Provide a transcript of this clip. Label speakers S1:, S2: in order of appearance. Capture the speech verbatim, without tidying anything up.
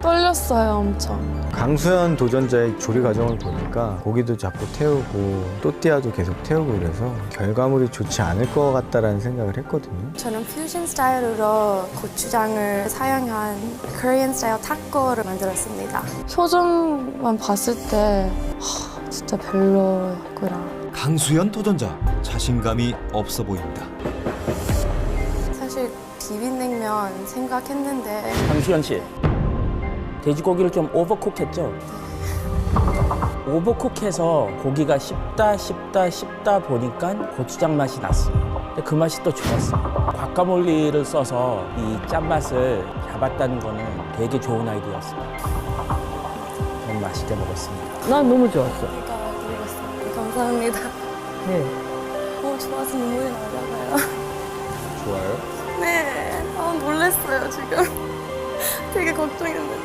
S1: 떨렸어요, 엄청.
S2: 강수현 도전자의 조리 과정을 보니까 고기도 자꾸 태우고 또띠아도 계속 태우고 그래서 결과물이 좋지 않을 것 같다라는 생각을 했거든요.
S1: 저는 퓨전 스타일로 고추장을 사용한 코리안 스타일 타코를 만들었습니다. 표정만 봤을 때 하, 진짜 별로였구나.
S3: 강수현 도전자 자신감이 없어 보인다.
S1: 사실 비빔냉면 생각했는데
S4: 강수현 씨, 돼지고기를 좀 오버쿡했죠? 오버쿡해서 고기가 씹다 씹다 씹다 보니까 고추장 맛이 났어요. 근데 그 맛이 또 좋았어요. 과카몰리를 써서 이 짠맛을 잡았다는 거는 되게 좋은 아이디어였어요. 저는 맛있게 먹었습니다.
S5: 난 너무 좋았어.
S1: 제가 드리겠습니다. 감사합니다.
S5: 네.
S1: 너무 좋아서 눈물이 나잖아요.
S2: 좋아요?
S1: 네, 아, 놀랐어요 지금. 되게 걱정했는데.